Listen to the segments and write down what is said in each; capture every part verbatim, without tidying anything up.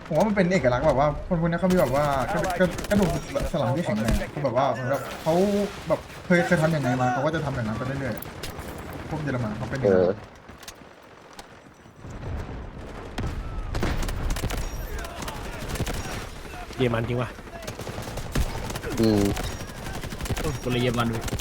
ผมว่ามันเป็นเอกลักษณ์แบบว่าคนพวกนี้เขามีแบบว่ากระกระกระดูกสันหลังที่แข็งแรงคือแบบว่าเหมือนแบบเขาแบบเคยเคยทำอย่างไงมาเขาก็จะทำอย่างนั้นไปเรื่อยๆพวกเยอรมันเขาเป็นอเอย่างนั้นอเยอรมันจริงวะอืมคนละเยอรมันด้วย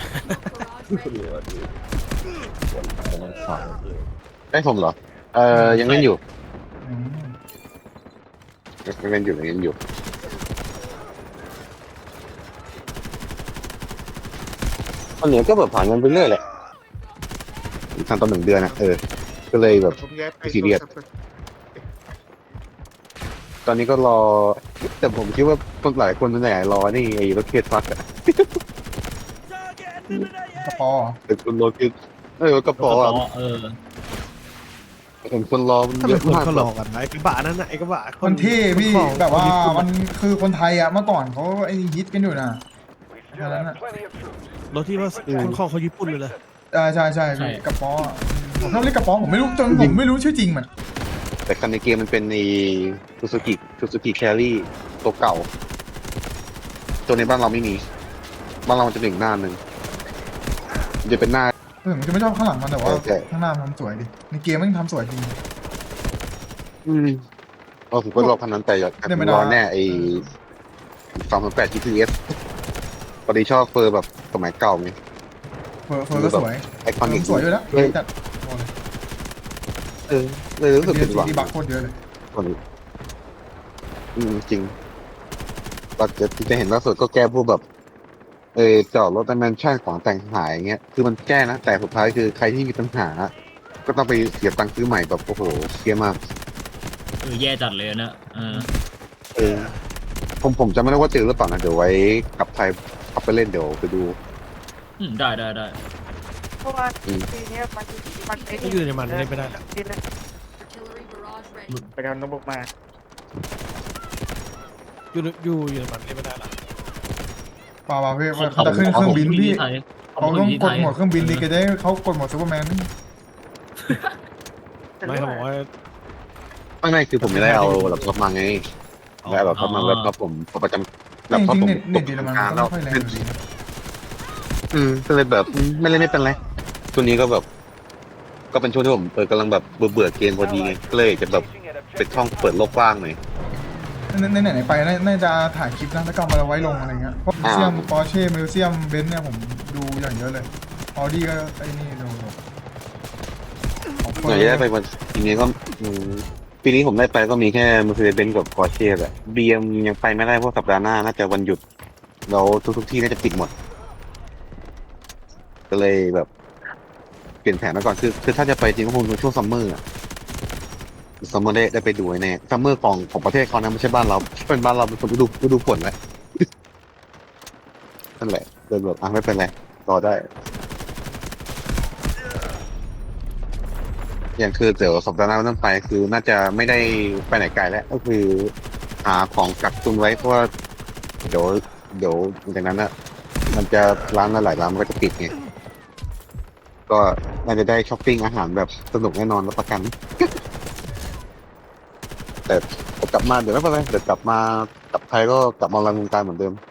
ได้ผมเหรอเออยังเล่นอยู่อืมยังเล่นอยู่ยังเล่นอยู่ตอนนี้ก็แบบผ่านเงินไปเรื่อยแหละทำตอนหนึ่งเดือนนะเออก็เลยแบบผมย้ายไปซีเรียส ตอนนี้ก็รอ แต่ผมคิดว่าคนหลายคนส่วนใหญ่รอนี่ไอ้รถเคสฟักอะกระป๋อแต่คนรถคือเออรถกระป๋ออะเออเห็นคนรอมันถ้าเยเป็นอะคนมากเขาหลอกกันนะไอ้กระบะนั่นนะไอ้กระบะมันเท่พี่คนของแบบว่าคนญี่ปุ่นมันคือคนไทยอ่ะเมื่อก่อนเขาไอ้ฮิตกันอยู่นะอันนั้นอ่ะรถที่ว่าคนของเขาญี่ปุ่นเลยนะใช่ใช่ใช่พี่กระป๋อผมชอบเรียกกระป๋อผมไม่รู้จนผมไม่รู้ชื่อจริงมันแต่คันในเกมมันเป็นในซูซูกิซูซูกิแครี่ตัวเก่า ตัวในบ้านเราไม่มี บ้านเรามันจะหนึ่งหน้าหนึ่งมันจะเป็นหน้าเออผมจะไม่ชอบข้างหลังมันแต่ว่าใช่ข้างหน้ามันทำสวยดิในเกมมันทำสวยจริงอืมเออผมก็รอคันนั้นแต่อยากเนี่ยไม่ได้รอแน่ไอ้สองพันแปด จี ที เอส พอดีชอบเฟอร์แบบสมัยเก่าไงเฟอร์เฟอร์ก็สวยไอคอนิกสวยอยู่แล้วเลยจัดโอ้ยเออเลยรู้สึกเบียผิดร์หวังซีบักโคตรเยอะเลยคนนี้อืมจริงเราจะจะเห็นล่าสุดก็แก้พวกแบบ เออจอดรถในแมนชั่นของแต่งหายอย่างเงี้ยคือมันแก้นะแต่สุดท้ายคือใครที่มีปัญหา ก็ต้องไปเสียตังค์ซื้อใหม่แบบโอ้โหเสียมากเออแย่จัดเลยนะเออเออผมผมจะไม่ได้ว่าเจอหรือเปล่านะเดี๋ยวไว้กลับไทยกลับไปเล่นเดี๋ยวไปดูอืมได้ได้ได้เพราะว่าปีนี้มันมันไอ้ไม่อยู่ในมันเล่นไม่ได้ละปีนี้ Artillery barrage ready. ไปเอาโน้ตบุ๊กมาอยู่อยู่อยู่ในมันเล่นไม่ได้ละเปล่าเปล่าพี่เขาจะขึ้นเครื่องบินพี่ไทยเขาต้องกดโหมดเครื่องบินดีก็ได้เขากดโหมดซูเปอร์แมนไม่เขาบอกว่าไม่ไม่คือผมไม่ได้เอาแล็ปท็อปมาไงไม่ได้เอาแล็ปท็อปมาแล็ปท็อปผมผมประจำแล็ปท็อปจริงผมๆเน็ตตเน็ตกเยอรมันงานก็แล้วไม่ค่อยแรงอยู่ดีนะอืมก็เลยแบบอืมไม่เล่นไม่เป็นไรตัวนี้ก็แบบ ก็เป็นช่วงที่ผมเออกำลังแบบเบื่อเบื่อเกมพอดีไงก็เลยจะแบบเป็นช่องเปิดโลกกว้างหน่อยในในไหนๆไปน่าจะถ่ายคลิปนะแล้วก็เอามาไว้ลงอะไรเงี้ยเพราะมิวเซียมปอร์เช่มิวเซียมเบนซ์เนี่ยผมดูอย่างเยอะเลยออดี้ก็ไอ้นี่ดูของเฟิหน่อยร์ได้ไปวันปีนี้ก็อืมปีนี้ผมได้ไปก็มีแค่ Mercedes-Benz กับ Porsche แหละ บี เอ็ม ยังไปไม่ได้เพราะสัปดาห์หน้าน่าจะวันหยุดแล้วทุกทุกๆที่น่าจะปิดหมด ก็เลยแบบ เปลี่ยนแผนมาก่อนคือคือถ้าจะไปจริงก็คงเป็นช่วงซัมเมอร์อะซัมเมอร์ได้ได้ไปดูแน่ซัมเมอร์ของของประเทศเขานะไม่ใช่บ้านเราเป็นบ้านเราเป็นคนฤดูฤดูฝนแล้ว นั่นแหละเลยแบบอ่ะไม่เป็นไรรอได้ อย่างคือเดี๋ยวสัปดาห์หน้าเป็นต้นไปคือน่าจะไม่ได้ไปไหนไกลแล้วก็คือหาของกักตุนไว้เพราะว่าเดี๋ยวเดี๋ยวหลังจากนั้นนะมันจะร้านหลายๆร้านมันก็จะปิดไงก็น่าจะได้ช้อปปิ้งอาหารแบบสนุกแน่นอนรับประกัน แต่กลับมาเดี๋ยวไม่เป็นไรเดี๋ยวกลับมากลับไทยก็กลับมาลังวงการเหมือนเดิม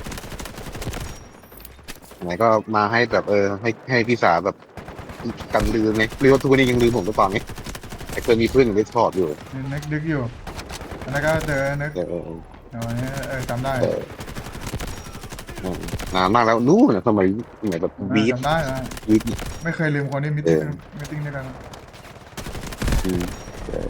ไหนก็มาให้แบบเออให้ให้พี่สาแบบกันลืมไงหรือว่าทุกวันนี้ยังลืมผมหรือเปล่าไงแต่เคยมีเพื่อนอยู่ในสปอร์ตอยู่นึกนึกอยู่แล้วก็เจอนึกเออเออเดี๋ยวนี้เออจำได้เออเออนานมากแล้วนู้นอะสมัยสมัยแบบวีดจำได้นะวีดไม่เคยลืมคนที่มิทติ้งมิทติ้งด้วยกันอืมเออ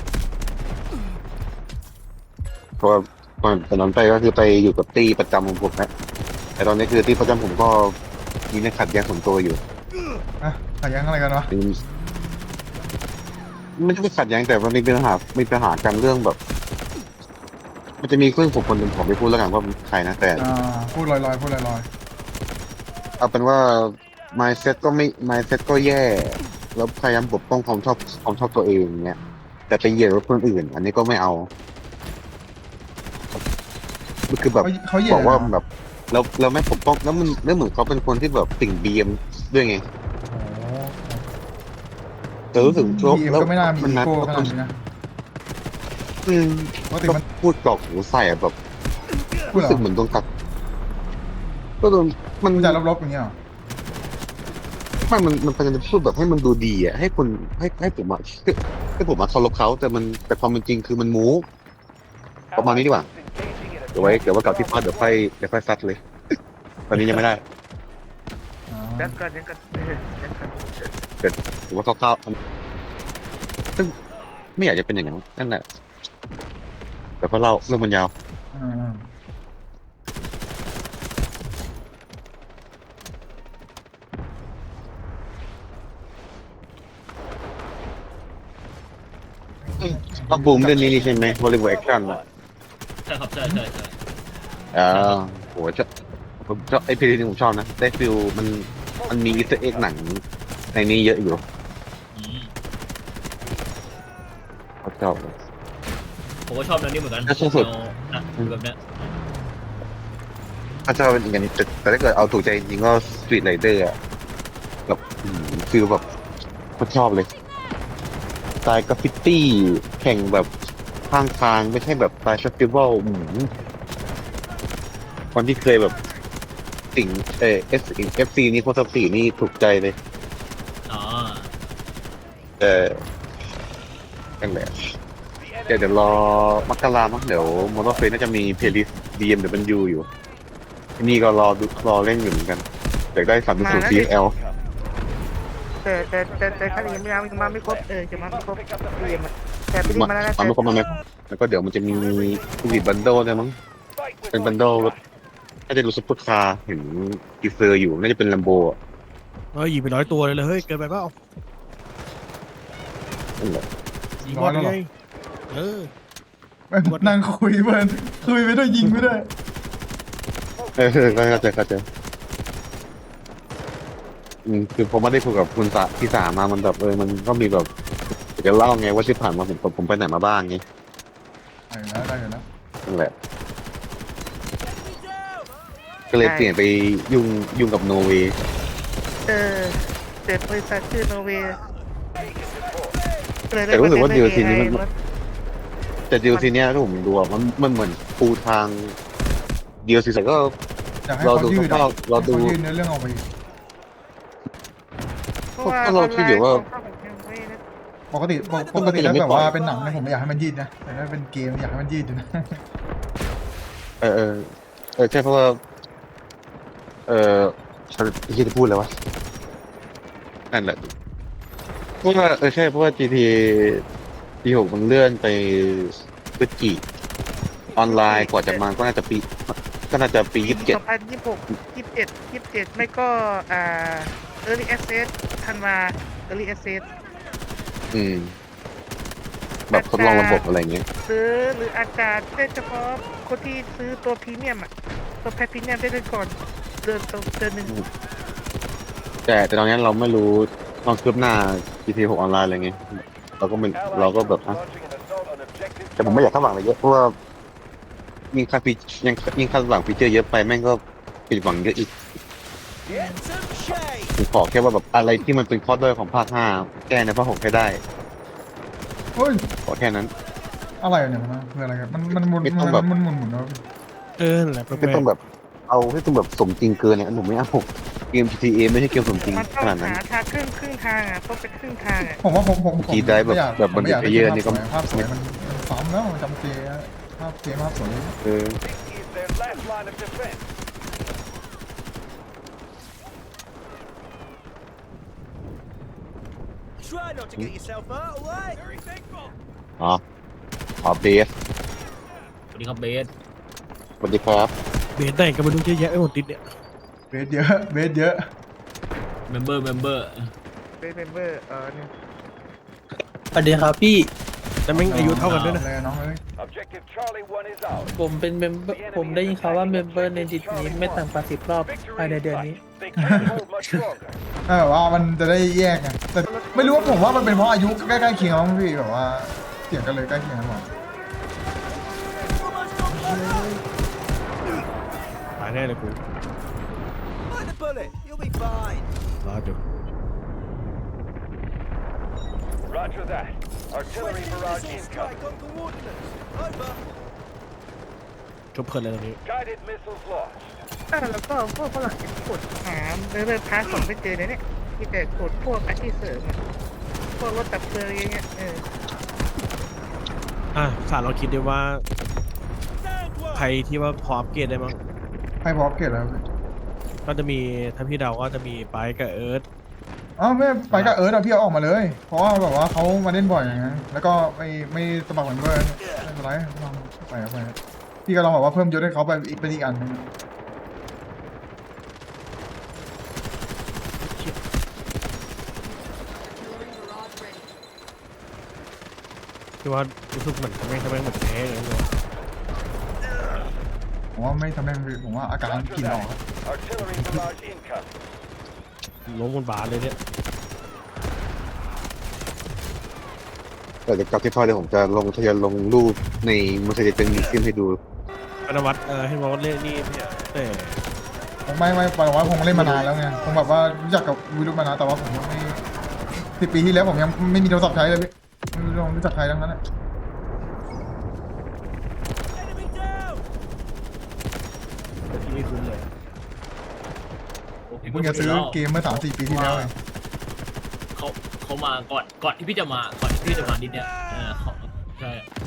เพราะว่าตอนตอนนั้นไปก็คือไปอยู่กับตี้ประจำของผมนะแต่ตอนนี้คือตี้ประจำผมก็มีในขัดแย้งส่วนตัวอยู่อ่ะขัดแย้งอะไรกันวะอืมไม่ใช่ไม่ขัดแย้งแต่ว่ามีปัญหามีปัญหากันเรื่องแบบ มันจะมีเพื่อนผมคนหนึ่งผมไม่พูดแล้วกันว่าเป็นใครนะแต่อ่าพูดลอยๆพูดลอยเอาเป็นว่า mindset ก็ไม่ mindset ก็แย่ แล้วพยายามปกป้องความชอบความชอบตัวเองเงี้ยแต่ไปเหยียดรถคนอื่น อันนี้ก็ไม่เอาก็คือๆแบบเขาเขาเหยียดบอกว่าเหรอแบบเราเราไม่ปกป้องแล้วมันแล้วเหมือนเขาเป็นคนที่แบบติ่งบีเอ็มด้วยไงโอ้แต่รู้สึกบีเอ็มก็ไม่น่ามีมันอีนัดโก้ขนาดนี้นะอืมปกติก็มันพูดกรอกหูใส่อะแบบพูดรู้เหรอสึกเหมือนโดนตัดก็โดนมันมันจะลบๆอย่างเงี้ยเหรอไม่มันมันเป็นพูดแบบให้มันดูดีอ่ะให้คนให้ให้ผมอ่ะให้ผมมาเคารพเขาแต่มันแต่ความเป็นจริงคือมันมูประมาณนี้ดีกว่าเดี๋ยวไว้เดี๋ยวว่าเก่าที่ฟาดเดี๋ยวค่อยเดี๋ยวค่อยซัดเลย ตอนนี้ยังไม่ได้อ๋อเดี๋ยวก่อนเดี๋ยวก่อนเออเดี๋ยวก่อนหรือว่าคร่าวๆซึ่งไม่อยากจะเป็นอย่างนั้นนั่นแหละแต่พอเล่าเรื่องมันยาวอ่าก็บูมเรื่องนี้นี่ใช่ไหมบริวารแอคชั่นอ่ะใช่ครับใช่ใช่ใช่อ่าโหชอบผมชอบไอพีที่ผมชอบนะได้ฟิลมันมันมีอิสเอ็กหนังในนี้เยอะอยู่อืมเขาชอบผมก็ชอบแนวนี้เหมือนกันแล้วสุดแนวหนังแบบเนี้ยถ้าชอบเป็นอย่างนี้แต่แต่ถ้าเกิดเอาถูกใจจริงๆก็สตรีทไรเดอร์อะแบบฟิลแบบเขาชอบเลยสไตล์กราฟฟิตี้แข่งแบบข้างทางไม่ใช่แบบสไตล์เฟสติวัลอืมคนที่เคยแบบสิ่งเอเอสเอฟซีนี่โคตรสีนี่ถูกใจเลยอ๋อแต่นั่นแหละเดี๋ยวเดี๋ยวรอมักกะลามั้งเดี๋ยวมอเตอร์เฟสน่าจะมีเพลย์ลิสต์ ดี เอ็ม ดับเบิลยู อยู่ที่นี่ก็รอดูรอเล่นอยู่เหมือนกันอยากได้สามศูนย์ ซี เอลแต่แต่แต่แต่ครั้งนี้ยังไม่มายังมาไม่ครบเออจะมาไม่ครบเรียนอะแต่พี่นี่มาแล้วนะทำให้ครบมาไหมแล้วก็เดี๋ยวมันจะมีผลิตบันโดด้วยมั้งเป็นบันโดน่าจะดูซุปเปอร์คาร์เห็นอีเซอร์อยู่น่าจะเป็นลัมโบอ่ะเฮ้ยยิงไปร้อยตัวเลยเลยเฮ้ยเกินไปเปล่านั่นแหละยิงบอลไงเออนั่งคุยเพื่อนคุยไปด้วยยิงไปด้วยเออเข้าใจเข้าใจอืมคือผมไม่ได้คุยกับคุณสาพี่สามามันแบบเออมันก็มีแบบอยากจะเล่าไงว่าที่ผ่านมาผมผมไปไหนมาบ้างไงได้อยู่แล้วได้อยู่แล้วนั่นแหละ ก็เลยเปลี่ยนไปยุ่งยุ่งกับโนเวย์เออเด็ดบริษัทชื่อโนเวย์แต่รู้สึกว่าดีลซีนี้มันแต่ดีลซีเนี้ยถ้าผมดูอะมันมันเหมือนปูทางดีลซีก็อยากให้เขายืดเราดูอะเราดูให้เขายืดเนื้อเรื่องออกไปอีกเพราะว่าก็เราคิดอยู่ว่าปกติปกปกติแล้วแบบว่าเป็นหนังเนี่ยผมไม่อยากให้มันยืดนะแต่ถ้าเป็นเกมอยากให้มันยืดอยู่นะเออเออเออใช่เพราะว่าเออที่จะพูดแล้ววะนั่นแหละเพราะว่าเออใช่เพราะว่า จี ที ปีหกมันเลื่อนไปพฤศจิออนไลน์กว่าจะมาก็น่าจะปีก็น่าจะปียี่สิบเจ็ดสองพันยี่สิบหกยี่สิบเจ็ดยี่สิบเจ็ดไม่ก็อ่า early access ธันวา early access อืม แบบทดลองระบบอะไรเงี้ยซื้อหรืออาจจะได้เฉพาะคนที่ซื้อตัวพรีเมียมอ่ะตัวแพ็คพรีเมียมได้เลยก่อนเดือนตรงเดือนหนึ่งแต่แต่ตอนนี้เราไม่รู้ความคืบหน้า จี ที หกออนไลน์อะไรเงี้ยเราก็ไม่เราก็แบบอ่ะแต่ผมไม่อยากคาดหวังอะไรเยอะเพราะว่ายิ่งคาดฟียังยิ่งคาดหวังฟีเจอร์เยอะไปแม่งก็ผิดหวังเยอะอีกผมขอแค่ว่าแบบอะไรที่มันเป็นข้อด้อยของภาคห้าแก้ในภาคหกให้ได้เฮ้ยขอแค่นั้นอะไรเนี่ยมันคืออะไรกันมันมันหมุนไม่มัต้อน งแบบมันหมุนหมุนแล้วเออนั่นแหละแปลไม่กต้องแบบเอาให้ต้องแบบสมจริงเกินเนี่ยผมไม่เอาเกม จี ที เอ ไม่ใช่เกมสมจริงมันขต้องนาดนั้นหาทางครึ่งครึ่งทางอ่ะต้องเป็นครึ่งทางอ่ะผมว่าผมผมผมจีได้แบบม่อยากแบบผมไม่อยากบันทึกเยอะนี่ก็ภาพสวยมันมันซ้ำแล้วมันจำเจภาพเกมภาพสวยเออ อ๋ออ๋อเบสสวัสดีครับเบสสวัสดีครับๆเบสได้กันมาดูเยอะแยะไปหมดติดเนี่ยเบสเยอะเบสเยอะเมมเบอร์เมมเบอร์เป็นเมมเบอร์เออเนี่ยสวัสดีครับพี่แต่แม่งอายุเท่ากันด้วยนะเลยน้องเอ้ยผมเป็นเมมเบอร์ผมได้ยินข่าวว่าเมมเบอร์ในดิสนี้ไม่ต่ำกว่าสิบรอบภายในเดือนนี้เออว่ามันจะได้แยกไงแต่ไม่รู้ว่าผมว่ามันเป็นเพราะอายุใกล้ๆเคียงมั้งพี่แบบว่าเสียงกันเลยใกล้เคียงกันหมดตายแน่เลยกูรอดู Roger that. Artillery barrage incoming. ชุบเพลินเลยตรงนี้ Guided missiles launched. อ่าแล้วก็พวกฝรั่งกดหาเรื่อยๆพาสองไปเจอเนี่ยมีแต่กดพวกอาชีพเสริมอะพวกรถดับเพลิงอย่างเงี้ยเอออ่ะสารเราคิดได้ว่า ใครที่ว่าพออัปเกรดได้มั้งให้พร้อมเกตแล้วพี่ก็จะมีถ้าพี่เดาก็จะมีไปกับเอิร์ธอ๋อไม่ไปกับเอิร์ธอะพี่เอาออกมาเลย เพราะว่าแบบว่าเขามาเล่นบ่อยอย่างเงี้ยแล้วก็ไม่ไม่สมัครเหมือนเพื่อนไม่เป็นไรลองไปไปพี่ก็ลองแบบว่าเพิ่มยศให้เขาไปอีกเป็นอีกอันนึง Artillery barrage ready. ที่ว่ารู้สึกเหมือนทำแม่งทำแม่งเหมือนแพ้เลยเนี่ยผมว่าไม่ทำให้มันผมว่าอาการกลินออกครับ Artillery barrage incoming. ล้มบนบาสเลยเนี่ยแต่เดี๋ยวกับที่พ่อเดี๋ยวผมจะลงทยอยลงรูปในมือถือเป็นมีขึ้นให้ดูปนวัตเออให้บอกว่าเล่นนี่เนี่ยแต่ผมไม่ไม่แต่ว่าผมเล่นมานานแล้วไงผมแบบว่ารู้จักกับวิรุธมานานแต่ว่าผมยังไม่สิบปีที่แล้วผมยังไม่มีโทรศัพท์ใช้เลยพี่ไม่รู้รู้จักใครทั้งนั้นอะที่ไม่คุ้นเลยโอ้โหเพิ่งจะซื้อเกมเมื่อสามสี่ปีที่แล้วเองเขาเขามาก่อนก่อนที่พี่จะมาก่อนที่พี่จะมาดิสเนี่ยเออเขาใช่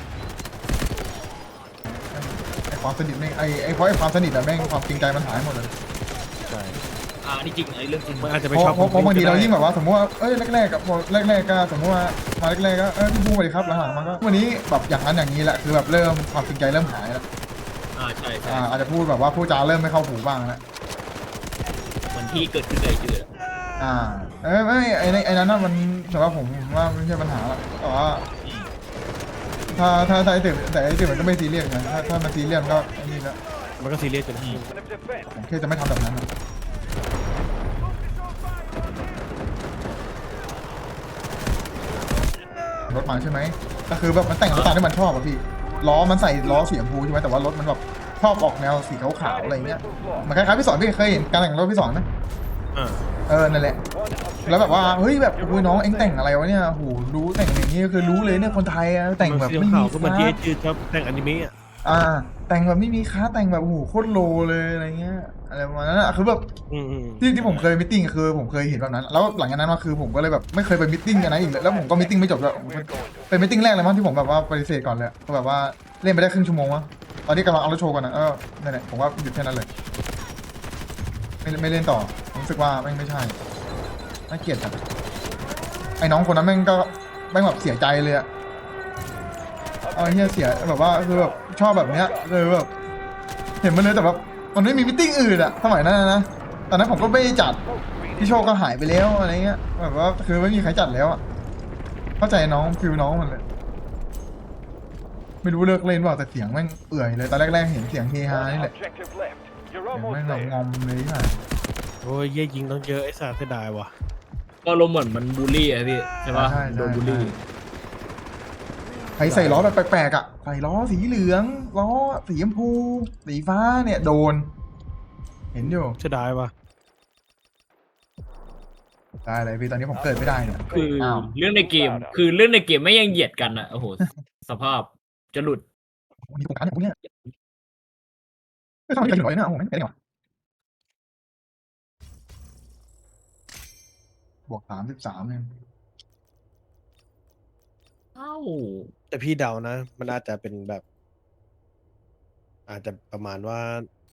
ไอความสนิทแม่งไอไอเพราะไอความสนิทอะแม่งความจริงใจมันหายหมดเลยใช่อ่านี่จริงไอ้เรื่องจริงมันอาจจะเพไม่ชอบราะเพราะเพราะบางทีเรายิ่งแบบว่าสมมติว่าเอ้ยแรกๆกับแรกๆก็สมมติว่ามาแรกๆก็เออพี่บูสวัสดีครับหลังๆมันก็วันนี้แบบอย่างนั้นอย่างนี้แหละคือแบบเริ่มความจริงใจเริ่มหายแล้วอ่าใช่ใช่อ่าอาจจะพูดแบบว่าพูดจาเริ่มไม่เข้าหูบ้างแล้วเหมือนที่เกิดขึ้นกับไอ้จืดอะอ่าเอ้ยไม่ไอ้ไอ้นั้นน่ะมันสำหรับผมผมว่าไม่ใช่ปัญหาหรอกแต่ว่าถ้าถ้าถ้าไอ้เด็กแต่ไอ้เด็กมันก็ไม่ซีเรียสไงถ้าถ้ามันซีเรียสมันก็ไอ้นี่แล้วมันก็ซีเรียสอยู่นะ Line of defense. ผมแค่จะไม่ทำแบบนั้นนะรถมาใช่ไหมก็คือแบบมันแต่งรถตามที่มันชอบอะพี่ล้อมันใส่ล้อสีชมพูใช่ไหมแต่ว่ารถมันแบบชอบออกแนวสีขาวๆอะไรเงี้ยมันคล้ายๆพี่สอนพี่เคยเห็นการแต่งรถพี่สอนไหมอ่าเออนั่นแหละ One objective แล้วแบบว่าเฮ้ยแบบ You're อุ้ยน้องเอ็ง on แต่งอะไรวะเนี่ยโหรู้แต่งอย่างนี้คือรู้เลยเนี่ยคนไทยอะแต่งแบบสีไม่ขามีวก็เหมือนค้าที่ไอ้จืดชอบแต่งอนิเมะอ่ะอ่า แต่งแบบไม่มีค้าแต่งแบบโอ้โหโคตรโลเลยอะไรเงี้ยอะไรประมาณนั้นอะคือแบบอืมอืมที่ที่ผมเคยมิทติ้งคือผมเคยเห็นแบบนั้น แล้วหลังจากนั้นมาคือผมก็เลยแบบไม่เคยไปมิทติ้งกันนะอีกเลยแล้วผมก็มิทติ้งไม่จบด้วยผมก็ We're going to. เป็นมิทติ้งแรกเลยมั้งที่ผมแบบว่าปฏิเสธก่อนเลยก็แบบว่าเล่นไปได้ครึ่งชั่วโมงวะตอนที่กำลังเอารถโชว์กันนะเออนั่นแหละผมว่าหยุดแค่นั้นเลย ไม่ไม่เล่นต่อผมรู้สึกว่าไม่งไม่ใช่น่าเกลียดจังไอ้น้องคนนั้นแม่งก็แม่งแบบเสียใจเลยอะเอาเฮียเสียแบบว่าคือแบบชอบแบบเนี้ยคือแบบเห็นมันเลยแต่แบบมันไม่มีมิทติ้งอื่นอะสมัยนั้นนะตอนนั้นผมก็ไม่ได้จัด พี่โชคก็หายไปแล้วอะไรเงี้ยแบบว่าคือไม่มีใครจัดแล้วอะเข้าใจน้องฟิลน้องมันเลย ไม่รู้เลิกเล่นเปล่าแต่เสียงแม่งเอื่อยเลยตอนแรกๆเห็นเสียงเฮฮา One นี่แหละ objective left. You're เสียง almost แม่งแบบ there. งอมเลยที่ไหนโอ้ยเย่ยิงต้องเยอะไอ้สารเสียดายว่ะก็ลมณ์เหมือนมันบูลลี่อะพี่ใช่ปะโดนบูลลี่ใครใส่ล้อแบบแปลกๆอ่ะใส่ล้อสีเหลืองล้อสีชมพูสีฟ้าเนี่ยโดน เห็นอยู่เสียดายว่ะได้เลยพี่ตอนนี้ผมเกิดไม่ได้เนี่ยคืออ้าวเรื่องในเกม คือเรื่องในเกมไม่ยังเหยียดกันอะโอ้โห สภาพจะหลุดมีโครงการอย่างพวกเนี้ยไม่ทำอะไรกันหน่อยนะโอ้โหไม่เป็นไงวะบวกสามสิบสามเนี่ยเอ้าแต่พี่เดานะ มันอาจจะเป็นแบบ อาจจะประมาณว่า